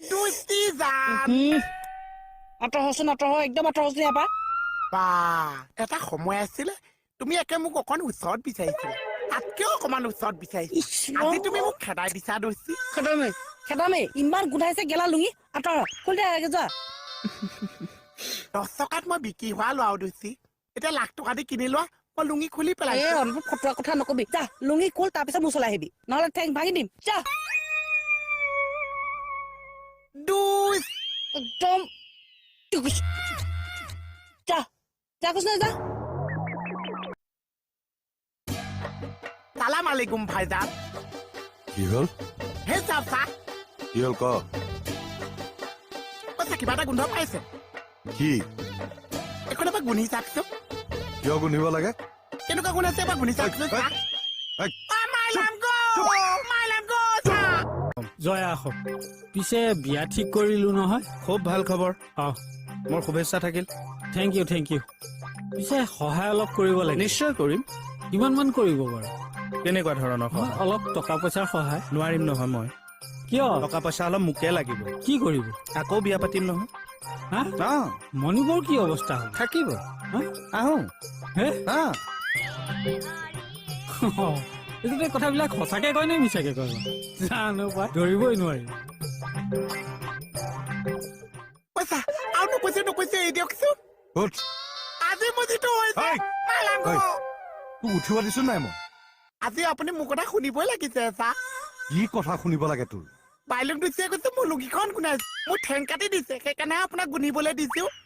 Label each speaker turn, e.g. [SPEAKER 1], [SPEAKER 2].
[SPEAKER 1] দুষ্টি যাম
[SPEAKER 2] আঁতৰচোন একদম আঁতৰচোন ইয়াৰ পৰা
[SPEAKER 1] বা এটা সময় আছিলে তুমি একে মোক অকণ ওচৰত বিচাৰিছিলা তাতকেও অকমান ওচৰত বিচাৰিছিলা আজি তুমি মোক খেদাই দিছা দোষী
[SPEAKER 2] খেদামে ইমান গোন্ধাইছে গেলা লুঙি আঁতৰ খুলি দে যোৱা
[SPEAKER 1] 10 টকাত মই বিক্ৰী হোৱা লোৱাও দোষী এতিয়া লাখ টকা দি কিনি লোৱা মই লুঙি খুলি পেলাইছো
[SPEAKER 2] অনুভৱ ফটোৱা কথা নকবি যা লুঙি খুল তাৰপিছত মোৰ ওচৰলৈ আহিবি নহ'লে ঠেং ভাঙি দিম যা
[SPEAKER 1] দুষ
[SPEAKER 2] একদম যা যা কৈছ না যা
[SPEAKER 1] সালাম আলাইকুম ভাইজান
[SPEAKER 3] কি হ'ল
[SPEAKER 1] হে চাচা
[SPEAKER 3] কি হ'ল ক
[SPEAKER 1] কৈছে কিবা এটা গোন্ধ পাইছে
[SPEAKER 3] কি
[SPEAKER 1] এখন এবাৰ গুন্ধি চাওকচোন
[SPEAKER 3] কিয় গোন্ধিব লাগে
[SPEAKER 1] কেনেকুৱা গোন্ধাইছে এবাৰ গুন্ধি চাওকচোন চা
[SPEAKER 4] জয় আহক পিছে বিয়া ঠিক কৰিলো নহয়
[SPEAKER 5] খুব ভাল খবৰ
[SPEAKER 4] অ'
[SPEAKER 5] মোৰ শুভেচ্ছা থাকিল
[SPEAKER 4] থেংক ইউ পিছে সহায় অলপ কৰিব লাগে
[SPEAKER 5] নিশ্চয় কৰিম
[SPEAKER 4] কিমান মান কৰিব বাৰু
[SPEAKER 5] কেনেকুৱা ধৰণৰ সহায়
[SPEAKER 4] অলপ টকা পইচাৰ সহায়
[SPEAKER 5] নোৱাৰিম নহয় মই
[SPEAKER 4] কিয়
[SPEAKER 5] টকা পইচা অলপ মোকে লাগিব
[SPEAKER 4] কি কৰিব
[SPEAKER 5] আকৌ বিয়া পাতিম নহয়
[SPEAKER 4] হা
[SPEAKER 5] অঁ
[SPEAKER 4] মণিবৰ কি অৱস্থা হ'ব
[SPEAKER 5] থাকিব
[SPEAKER 4] হা?
[SPEAKER 5] আহোঁ
[SPEAKER 4] হে
[SPEAKER 5] অঁ
[SPEAKER 4] এইটো কথাবিলাক সঁচাকে কয় নে মিছাকে কয় জানো পাই ধৰিবই নোৱাৰি
[SPEAKER 1] পইচা আৰু নকৈছে এই দিয়কচোন
[SPEAKER 3] উঠ
[SPEAKER 1] আজি মোৰ যিটো হৈছে
[SPEAKER 3] ঐ!
[SPEAKER 1] মাইলাংগ
[SPEAKER 3] ঐ! তোক উঠিব দিছো নাই মই
[SPEAKER 1] আজি আপুনি মোৰ কথা শুনিবই লাগিছে চা
[SPEAKER 3] কি কথা শুনিব লাগে তোৰ
[SPEAKER 1] বাইলুং দুচিয়ে কৈছে মোৰ লুঙিখন গুন্ধাইছে মোৰ ঠেং কাটি দিছে সেইকাৰণে আপোনাক গুন্ধিবলৈ দিছো